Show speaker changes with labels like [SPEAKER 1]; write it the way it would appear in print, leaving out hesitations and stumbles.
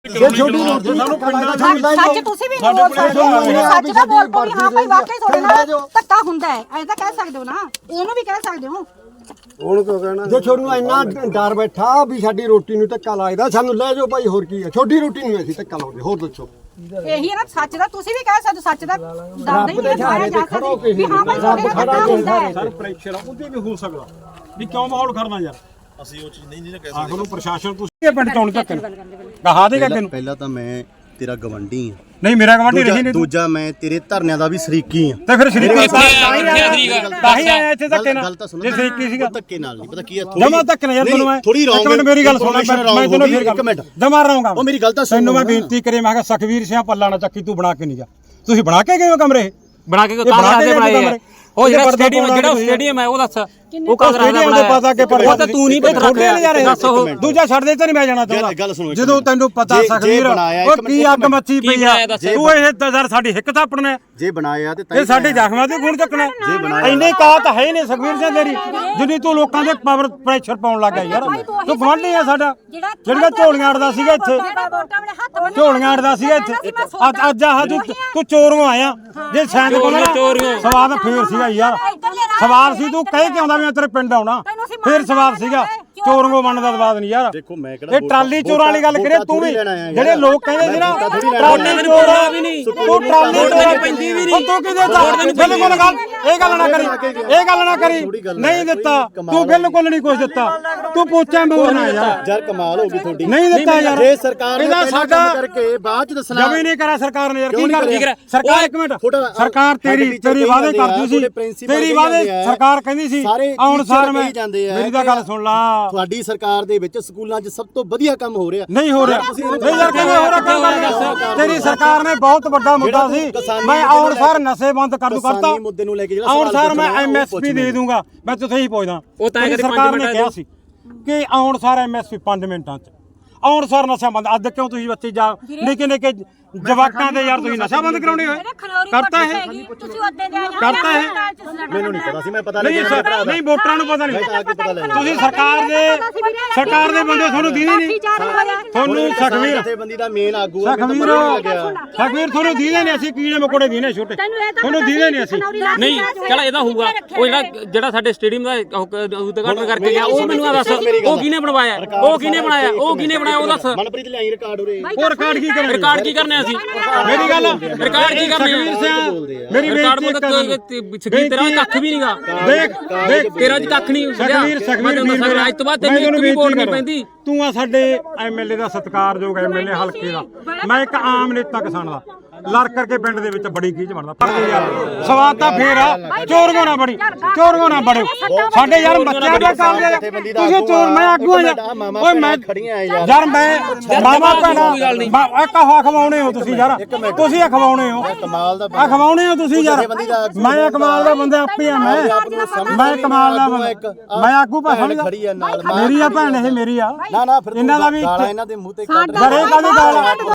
[SPEAKER 1] सच तुसी भी नहीं बोल सकते सच ना बोल पो हां भाई वाकई थोड़े नाल धक्का हुंदा है ऐ तां कह सकदे हो ना ओनू भी कह सकदे हो
[SPEAKER 2] ਹੁਣ ਕਿਉਂ ਕਹਿਣਾ ਜੇ ਛੋੜੂ ਇੰਨਾ ਡਰ ਬੈਠਾ ਵੀ ਸਾਡੀ ਰੋਟੀ ਨੂੰ ਧੱਕਾ ਲੱਗਦਾ ਸਾਨੂੰ ਲੈ ਜਾਓ ਭਾਈ ਹੋਰ ਕੀ ਹੈ ਛੋਟੀ ਰੋਟੀ ਨੂੰ ਅਸੀਂ ਧੱਕਾ ਲਾਉਂਦੇ ਹੋਰ ਦੱਸੋ
[SPEAKER 1] ਇਹੀ ਹੈ ਨਾ ਸੱਚ ਦਾ ਤੁਸੀਂ ਵੀ ਕਹਿ ਸਕਦੇ ਸੱਚ ਦਾ ਡਰਦਾ ਹੀ ਨਹੀਂ ਮਾਰਿਆ ਜਾ ਸਕਦਾ ਵੀ ਹਾਂ ਭਾਈ ਰੱਬ ਖੜਾ ਹੁੰਦਾ ਹੈ
[SPEAKER 3] ਸਰ ਪ੍ਰੈਸ਼ਰ ਉਹਦੇ ਵੀ ਹੋ ਸਕਦਾ ਵੀ ਕਿਉਂ ਮਾਹੌਲ ਖੜਨਾ ਯਾਰ
[SPEAKER 4] ਅਸੀਂ ਉਹ ਚੀਜ਼ ਨਹੀਂ ਕਹਿ
[SPEAKER 3] ਆਖਰ ਨੂੰ ਪ੍ਰਸ਼ਾਸਨ ਤੁਸੀਂ ਪਿੰਡ ਚੋਣ ਤੱਕ ਕਹਾ ਦੇਗਾ ਤੈਨੂੰ
[SPEAKER 4] ਪਹਿਲਾਂ ਤਾਂ ਮੈਂ ਤੇਰਾ ਗਵੰਡੀ ਆ
[SPEAKER 3] ਨਹੀਂ ਮੇਰਾ ਗਵਾਂਢੀ ਰਹੀ ਨਹੀਂ
[SPEAKER 4] ਦੂਜਾ ਮੈਂ ਤੇਰੇ ਧਰਨਿਆਂ ਦਾ ਵੀ ਸ਼ਰੀਕੀ ਆ
[SPEAKER 3] ਤੇ ਫਿਰ ਸ਼ਰੀਕੀ ਤਾਂ ਹੀ ਆਇਆ ਇੱਥੇ ਧੱਕੇ ਨਾਲ ਜੇ ਸ਼ਰੀਕੀ ਸੀਗਾ
[SPEAKER 4] ਧੱਕੇ ਨਾਲ ਨਹੀਂ ਪਤਾ ਕੀ ਆ
[SPEAKER 3] ਜਮਾ ਧੱਕੇ ਨਾਲ ਯਾਰ ਤੈਨੂੰ ਮੈਂ
[SPEAKER 4] ਥੋੜੀ ਰੌਂਗ
[SPEAKER 3] ਇੱਕ ਮਿੰਟ ਮੇਰੀ ਗੱਲ ਸੁਣ ਮੈਂ ਤੈਨੂੰ ਫਿਰ
[SPEAKER 4] ਇੱਕ ਮਿੰਟ
[SPEAKER 3] ਜਮਾ ਰਹਾਂਗਾ
[SPEAKER 4] ਉਹ ਮੇਰੀ ਗੱਲ ਤਾਂ ਸੁਣ
[SPEAKER 3] ਤੈਨੂੰ ਮੈਂ ਬੇਨਤੀ ਕਰੇ ਮੈਂ ਕਿਹਾ ਸਖਵੀਰ ਸਿੰਘ ਪੱਲਾ ਨਾ ਚੱਕੀ ਤੂੰ ਬਣਾ ਕੇ ਨਹੀਂ ਗਿਆ ਤੁਸੀਂ ਬਣਾ ਕੇ ਗਏ ਹੋ ਕਮਰੇ
[SPEAKER 5] ਬਣਾ ਕੇ ਕਾਂਗਰਸ ਦੇ ਬਣਾਏ ਆ ਉਹ ਜਿਹੜਾ ਸਟੇਡੀਅਮ ਹੈ ਉਹ ਦੱਸ ਉਹ ਕਾਂਗਰਸ ਦਾ ਬਣਾਇਆ
[SPEAKER 3] ਪਤਾ ਕਿ ਪਰ
[SPEAKER 5] ਉਹ ਤਾਂ ਤੂੰ ਨਹੀਂ ਪਤਾ
[SPEAKER 3] ਦੱਸ ਉਹ ਦੂਜਾ ਛੱਡ ਦੇ ਤੇ ਨਹੀਂ ਮੈਂ ਜਾਣਾ ਚਾਹੁੰਦਾ ਜਦੋਂ ਤੈਨੂੰ ਪਤਾ ਸਖਵੀਰ ਉਹ ਕੀ ਅੱਗ ਮੱਚੀ ਪਈ ਆ ਤੂੰ ਇਹ ਯਾਰ ਸਾਡੀ ਹਿੱਕ ਥਾਪਣਾ
[SPEAKER 4] ਜੇ ਬਣਾਇਆ ਤੇ
[SPEAKER 3] ਇਹ ਸਾਡੇ ਜ਼ਖਮਾਂ ਤੇ ਗੁਣ ਚੱਕਣਾ ਇੰਨੇ ਕਾਤ ਹੈ ਨਹੀਂ ਸਖਵੀਰ ਸਿੰਘ ਤੇਰੀ ਜਿੰਨੀ ਤੂੰ ਲੋਕਾਂ ਦੇ ਪਾਵਰ ਪ੍ਰੈਸ਼ਰ ਪਾਉਣ ਲੱਗਾ ਯਾਰ ਤੂੰ ਗਵਾਂਢੀ ਆ ਸਾਡਾ ਜਿਹੜੀਆਂ ਝੋਲੀਆਂ ਅੜਦਾ ਸੀਗਾ ਇੱਥੇ ਝੋਲੀਆਂ ਅੜਦਾ ਸੀਗਾ ਇੱਥੇ ਅੱਜ ਆਹ ਤੂੰ ਚੋਰੋਂ ਆਇਆ ਜੇ ਸ਼ਾਇਦ ਕੋਲ ਸਵਾਦ ਫੇਰ ਸੀਗਾ ਯਾਰ ਸਵਾਲ ਸੀ ਤੂੰ ਕਹਿ ਕੇ ਆਉਂਦਾ ਵੀ ਮੈਂ ਤੇਰੇ ਪਿੰਡ ਆਉਣਾ ਫੇਰ ਸਵਾਲ ਸੀਗਾ ਚੋਰੋਂ ਬਣਨ ਦਾ ਸਵਾਦ ਨਹੀਂ ਯਾਰ
[SPEAKER 4] ਦੇਖੋ ਮੈਂ ਕਿਹੜਾ
[SPEAKER 3] ਇਹ ਟਰਾਲੀ ਚੋਰਾਂ ਵਾਲੀ ਗੱਲ ਕਰੇ ਤੂੰ ਵੀ ਜਿਹੜੇ ਲੋਕ ਕਹਿੰਦੇ ਸੀ ਨਾ ਟਰਾਲੀ ਚੋਰਾਂ ਵੀ ਨਹੀਂ ਤੂੰ ਟਰਾਲੀ ਚੋਰਾਂ ਪੈਂਦੀ ਵੀ ਨਹੀਂ ਤੂੰ ਕਿਹਦੇ ਦਾ ਬਿਲਕੁਲ ਗੱਲ ਇਹ ਗੱਲ ਨਾ ਕਰੀ ਨਹੀਂ ਦਿੱਤਾ ਤੂੰ ਬਿਲਕੁਲ ਨਹੀਂ ਕੁਝ ਦਿੱਤਾ ਤੂੰ ਪੋਚਾ ਮੋਰਨਾ
[SPEAKER 4] ਯਾਰ ਕਮਾਲ ਹੋ ਗਈ ਤੁਹਾਡੀ
[SPEAKER 3] ਨਹੀਂ ਦਿੱਤਾ ਯਾਰ
[SPEAKER 4] ਜੇ ਸਰਕਾਰ ਨੇ
[SPEAKER 3] ਇਹਦਾ ਸਾਡਾ
[SPEAKER 4] ਕਰਕੇ ਬਾਅਦ ਚ ਦੱਸਣਾ
[SPEAKER 3] ਜਮੀ ਨਹੀਂ ਕਰਾ ਸਰਕਾਰ ਨੇ ਯਾਰ ਕੀ ਕਰ ਸਰਕਾਰ ਇੱਕ ਮਿੰਟ ਸਰਕਾਰ ਤੇਰੀ ਵਾਅਦੇ ਕਰਦੀ ਸੀ ਤੇਰੀ ਵਾਅਦੇ ਸਰਕਾਰ ਕਹਿੰਦੀ ਸੀ ਆਉਣ ਸਾਰ ਮੈਂ ਮੇਰੀ ਤਾਂ ਗੱਲ ਸੁਣ ਲਾ
[SPEAKER 4] ਤੁਹਾਡੀ ਸਰਕਾਰ ਦੇ ਵਿੱਚ ਸਕੂਲਾਂ 'ਚ ਸਭ ਤੋਂ ਵਧੀਆ ਕੰਮ ਹੋ ਰਿਹਾ
[SPEAKER 3] ਨਹੀਂ ਹੋ ਰਿਹਾ ਨਹੀਂ ਯਾਰ ਕਿਵੇਂ ਹੋ ਰਿਹਾ ਕੰਮ ਤੇਰੀ ਸਰਕਾਰ ਨੇ ਬਹੁਤ ਵੱਡਾ ਮੁੱਦਾ ਸੀ ਮੈਂ ਆਉਣ ਸਾਰ ਨਸ਼ੇ ਬੰਦ ਕਰ ਦੂ ਕਰਤਾ
[SPEAKER 4] ਮੁੱਦੇ ਨੂੰ ਲੈ ਕੇ
[SPEAKER 3] ਆਉਣ ਸਾਰ ਮੈਂ ਐਮਐਸਪੀ ਦੇ ਦੂੰਗਾ ਮੈਂ ਤੁਥੇ ਹੀ ਪੁੱਛਦਾ
[SPEAKER 5] ਉਹ ਤਾਂ
[SPEAKER 3] ਸਰਕਾਰ ਨੇ ਕਿਹਾ ਸੀ ਕਿ ਆਉਣ ਸਾਰ ਐਮਐਸਪੀ 5 ਮਿੰਟਾਂ 'ਚ ਆਉਣ ਸਾਰ ਨਸ਼ਾ ਬੰਦ ਅੱਜ ਕਿਉਂ ਤੁਸੀਂ ਬੱਚੇ ਜਾ ਨਿੱਕੇ ਜਵਾਕਾਂ ਦੇ ਯਾਰ ਤੁਸੀਂ ਨਸ਼ਾ ਬੰਦ ਕਰਾਉਣੇ ਹੋਏ ਕਰਤਾ ਹੈ ਕਰਤਾ ਹੈ
[SPEAKER 4] ਮੈਨੂੰ ਨਹੀਂ ਪਤਾ ਸੀ ਮੈਂ ਪਤਾ
[SPEAKER 3] ਨਹੀਂ ਵੋਟਰਾਂ ਨੂੰ ਪਤਾ ਨਹੀਂ ਤੁਸੀਂ ਸਰਕਾਰ ਦੇ ਬੰਦੇ ਤੁਹਾਨੂੰ ਦੀਦੇ ਨਹੀਂ ਤੁਹਾਨੂੰ ਸਖਵੀਰ
[SPEAKER 4] ਜਥੇਬੰਦੀ ਦਾ ਮੇਨ ਆਗੂ ਆ
[SPEAKER 3] ਸਖਵੀਰ ਤੁਹਾਨੂੰ ਦੀਦੇ ਨਹੀਂ ਅਸੀਂ ਕੀੜੇ ਮਕੋੜੇ ਦੀਨੇ ਛੋਟੇ ਤੁਹਾਨੂੰ ਦੀਦੇ ਨਹੀਂ ਅਸੀਂ
[SPEAKER 5] ਨਹੀਂ ਚਲ ਇਹਦਾ ਹੋਊਗਾ ਉਹ ਜਿਹੜਾ ਸਾਡੇ ਸਟੇਡੀਅਮ ਦਾ ਉਦਘਾਟਨ ਕਰਕੇ ਗਿਆ ਉਹ ਮੈਨੂੰ ਦੱਸ ਉਹ ਕਿਹਨੇ ਬਣਵਾਇਆ ਉਹ ਕਿਹਨੇ ਬਣਾਇਆ ਉਹ ਦੱਸ
[SPEAKER 4] ਮਨਪ੍ਰੀਤ ਲਿਆਈ ਰਿਕਾਰਡ ਉਰੇ
[SPEAKER 3] ਉਹ ਰਿਕਾਰਡ ਕੀ ਕਰਨਾ ਅਸੀਂ
[SPEAKER 5] ਮੇਰੀ ਗੱਲ ਰਿਕਾਰਡ ਕੀ ਕਰਨੇ ਆ
[SPEAKER 3] ਮੇਰੀ
[SPEAKER 5] ਬੇਇੱਜ਼ਤੀ ਤੇਰਾ ਕੱਖ ਵੀ ਨਹੀਂਗਾ
[SPEAKER 3] ਦੇਖ
[SPEAKER 5] ਤੇਰਾ ਜੀ ਕੱਖ ਨਹੀਂ ਸਖਵੀਰ ਅੱਜ ਤੋਂ ਬਾਅਦ ਤੈਨੂੰ ਇੱਕ ਵੀ ਵੋਟ ਨਹੀਂ ਪੈਂਦੀ
[SPEAKER 3] ਤੂੰ ਆ ਸਾਡੇ ਐਮਐਲਏ ਦਾ ਸਤਿਕਾਰਯੋਗ ਐਮਐਲਏ ਹਲਕੇ ਦਾ ਮੈਂ ਇੱਕ ਆਮ ਨੇਤਾ ਕਿਸਾਨ ਦਾ ਲੜ ਕਰਕੇ ਪਿੰਡ ਦੇ ਵਿੱਚ ਬੜੀ ਖੀਚ ਬਣਦਾ ਪਰ ਯਾਰ ਸਵਾਦ ਤਾਂ ਫੇਰ ਆ ਚੋਰਗੋ ਨਾ ਬੜਿਓ ਸਾਡੇ ਯਾਰ ਬੱਚਿਆਂ ਦੇ ਕਾਲਜ ਤੁਸੀਂ ਚੋਰ ਮੈਂ ਆਗੂ ਓਏ ਮੈਂ ਯਾਰ ਮੈਂ ਮਾਮਾ ਭੈਣਾ ਇੱਕ ਖਵਾਉਣੇ ਹੋ ਤੁਸੀਂ ਯਾਰ ਤੁਸੀਂ ਖਵਾਉਣੇ ਹੋ ਖਵਾਉਣੇ ਹੋ ਤੁਸੀਂ ਯਾਰ ਮੈਂ ਕਮਾਲ ਦਾ ਬੰਦਾ ਆਪੇ ਆ ਮੈਂ ਕਮਾਲ ਦਾ ਬੰਦਾ ਮੈਂ ਆਗੂ ਭਾਣ ਮੇਰੀ ਆ ਭੈਣ ਇਹ ਮੇਰੀ ਆ
[SPEAKER 4] ਨਾ ਫਿਰ
[SPEAKER 3] ਇਹਨਾਂ ਦਾ ਵੀ
[SPEAKER 4] ਇਹਨਾਂ ਦੇ ਮੂੰਹ ਤੇ
[SPEAKER 3] ਬੜੇ ਕਾਹਦੀ ਗਾਲ